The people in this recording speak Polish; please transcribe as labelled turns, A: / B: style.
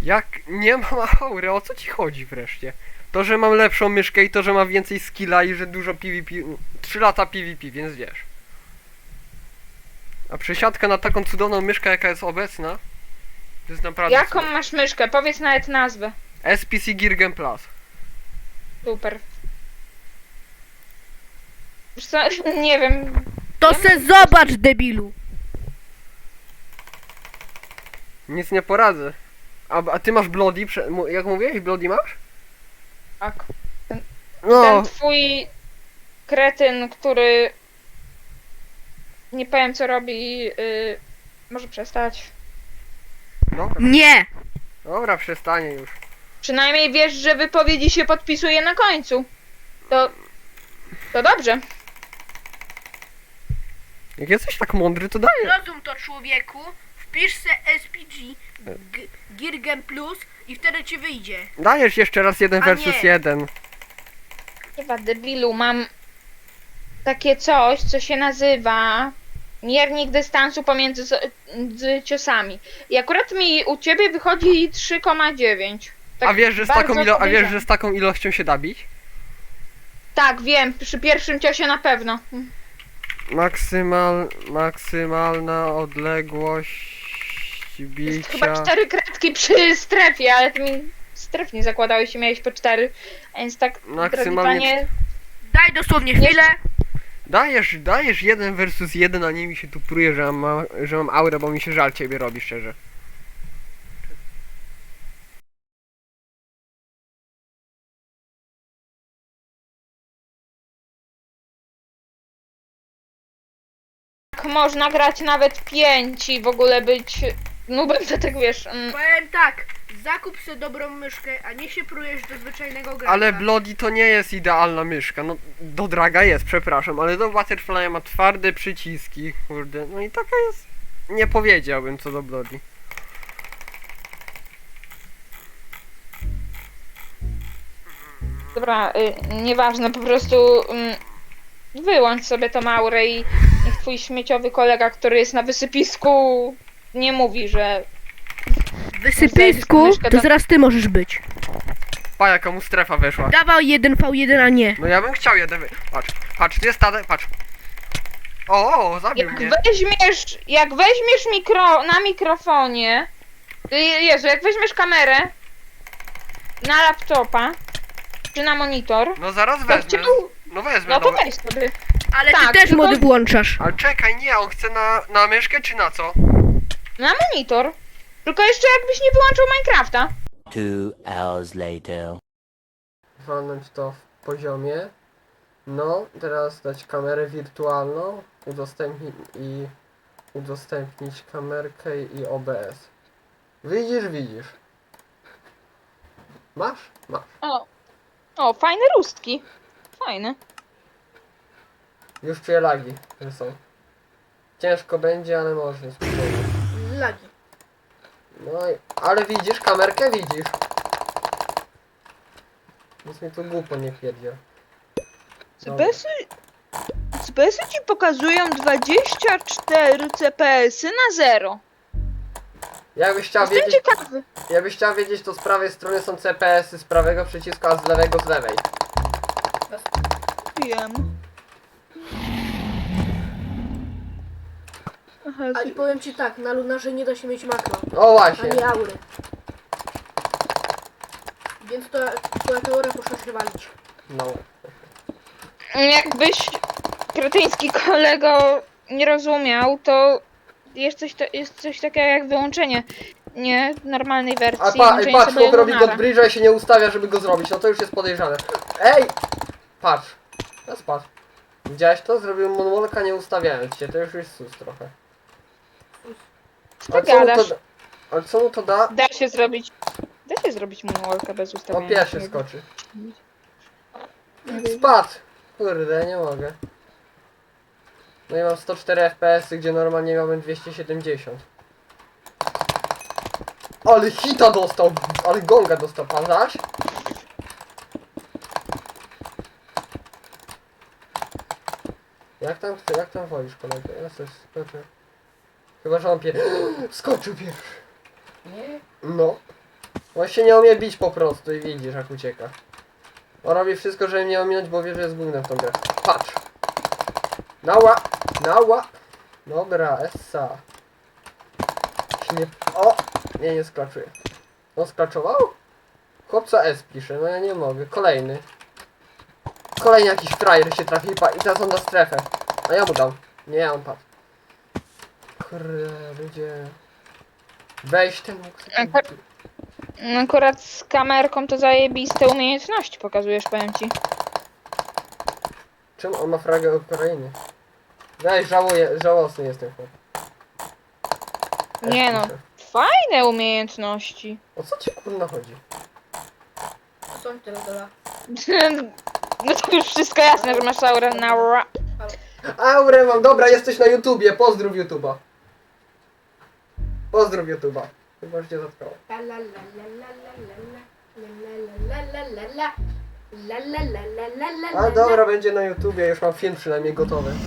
A: Jak nie mam aury, o co ci chodzi wreszcie? To, że mam lepszą myszkę i to, że mam więcej skilla i że dużo PvP... 3 lata PvP, więc wiesz. A przesiadka na taką cudowną myszkę, jaka jest obecna, to jest naprawdę...
B: Jaką
A: cudowne.
B: masz myszkę? Powiedz nawet nazwę.
A: SPC Gear Plus.
B: Super. Wiesz co, nie wiem.
C: To
B: Ja
C: se zobacz, debilu.
A: Nic nie poradzę. A ty masz Bloody, jak mówiłeś, Bloody masz?
B: Tak.
A: No,
B: Ten twój kretyn, który nie powiem co robi, może przestać.
A: dobra,
C: Nie.
A: dobra, przestanie już.
B: Przynajmniej wiesz, że wypowiedzi się podpisuje na końcu. To dobrze.
A: Jak jesteś tak mądry, to daję.
C: Rozum to, człowieku. Wpisz se SPG Gear Plus i wtedy ci wyjdzie.
A: Dajesz jeszcze raz 1
C: A
A: versus
C: nie.
A: 1.
B: Chyba debilu, mam takie coś, co się nazywa miernik dystansu pomiędzy z ciosami. I akurat mi u ciebie wychodzi 3,9. Tak
A: A wiesz, że z
B: bardzo
A: taką a wiesz,
B: podejrzane.
A: że z taką ilością się da bić?
B: Tak, wiem, przy pierwszym ciosie na pewno.
A: Maksymalna odległość
B: Jest chyba
A: bicia.
B: 4 kratki przy strefie, ale ty mi stref nie zakładałeś i miałeś po 4. A więc tak, drogi
A: Maksymalnie
B: panie,
C: Daj dosłownie chwilę.
A: Dajesz 1 versus 1, a nie mi się tu pruje, że mam aurę, bo mi się żal ciebie robi, szczerze.
B: tak można grać nawet 5 i w ogóle być nubem, to tak wiesz.
C: Powiem tak, zakup sobie dobrą myszkę, a nie się prujesz do zwyczajnego gracza.
A: Ale Bloody to nie jest idealna myszka, no do Draga jest, przepraszam, ale do Butterfly ma twarde przyciski, kurde, no i taka jest, nie powiedziałbym co do Bloody.
B: Dobra, nieważne, po prostu wyłącz sobie tą aurę i niech twój śmieciowy kolega, który jest na wysypisku, nie mówi, że
C: W wysypisku to zaraz ty możesz być.
A: Pa, jaka mu strefa weszła.
C: Dawał 1v1, a nie.
A: No ja bym chciał jeden patrz, tu jest patrz. O, zabił mnie.
B: jak weźmiesz na mikrofonie, Jezu, jak weźmiesz kamerę na laptopa, czy na monitor,
A: No zaraz
B: to
A: wezmę.
B: chciał,
A: No wezmę,
B: no to
A: dobra.
B: weź sobie.
C: Ale
B: Tak,
C: ty też
B: tylko-
C: mody włączasz.
A: Ale czekaj, nie, on chce na myszkę czy na co?
B: Na monitor. Tylko jeszcze jakbyś nie wyłączył Minecrafta.
D: 2 hours later.
A: Walnąć to w poziomie. No, teraz dać kamerę wirtualną, udostępnić kamerkę i OBS. Widzisz. Masz? Masz.
B: O, fajne róstki. Fajne.
A: Już czuję lagi, że są. Ciężko będzie, ale można spróbować.
C: Lagi.
A: No i, ale widzisz, kamerkę widzisz. Nic mi tu głupo nie pierdziel. Dobra.
B: CPS-y ci pokazują 24 CPS-y na 0.
A: Jakbyś chciał
B: Jestem
A: wiedzieć,
B: ciekawy.
A: to z prawej strony są CPS-y, z prawego przycisku, a z lewego z lewej.
B: Wiem. Aha,
E: A i powiem ci tak, na Lunarze nie da się mieć makro,
A: O właśnie.
E: ani aury. Więc to teorię muszę się walić.
A: No.
B: jakbyś kretyński kolego nie rozumiał, to jest coś takiego jak wyłączenie nie normalnej wersji.
A: A
B: włączenie
A: patrz,
B: sobie
A: chłop robi
B: Lunara.
A: Godbridge'a i się nie ustawia, żeby go zrobić. No to już jest podejrzane. Ej! Patrz. Teraz patrz. Widziałeś to? Zrobiłem moonwalka nie ustawiając się. To już jest sus trochę.
B: Co ty gadasz?
A: Ale co mu to da?
B: Da się zrobić moonwalka bez
A: O,
B: ustawienia.
A: pies się skoczy. Spadł! Kurde, nie mogę. No i mam 104 FPS, gdzie normalnie miałem 270. Ale hita dostał! Ale gonga dostał, pan zaś? Jak tam wolisz, kolego? Ja coś skoczę. Chyba, że on skoczył pierwszy.
E: Nie?
A: No. On się nie umie bić po prostu i widzisz jak ucieka. On robi wszystko, żeby mnie ominąć, bo wie, że jest głównym w tą grę. Patrz! Nała! Nała! Dobra, essa. Nie... O! Nie sklaczuje. On sklaczował? Chłopca S pisze, no ja nie mogę. Kolejny. Kolejny jakiś frajer się trafi i teraz on na strefę. A ja mu dam. Nie, on padł. Kurde, ludzie. Weź ten łuk.
B: Akurat z kamerką to zajebiste umiejętności pokazujesz, powiem ci.
A: Czym on ma fragę Ukrainy? Weź, żałosny jestem chłop.
B: Nie no, fajne umiejętności.
A: O co ci kurna chodzi?
E: Co mi teraz doda?
B: No to już wszystko jasne, że masz aurę na ra.
A: Aurę mam, dobra, jesteś na YouTubie, pozdrów YouTuba. Pozdrów YouTuba. Chyba już cię zatkało.
E: La la la la la la la la la la la la la la la la la la
A: A dobra, będzie na YouTubie, już mam film przynajmniej gotowy.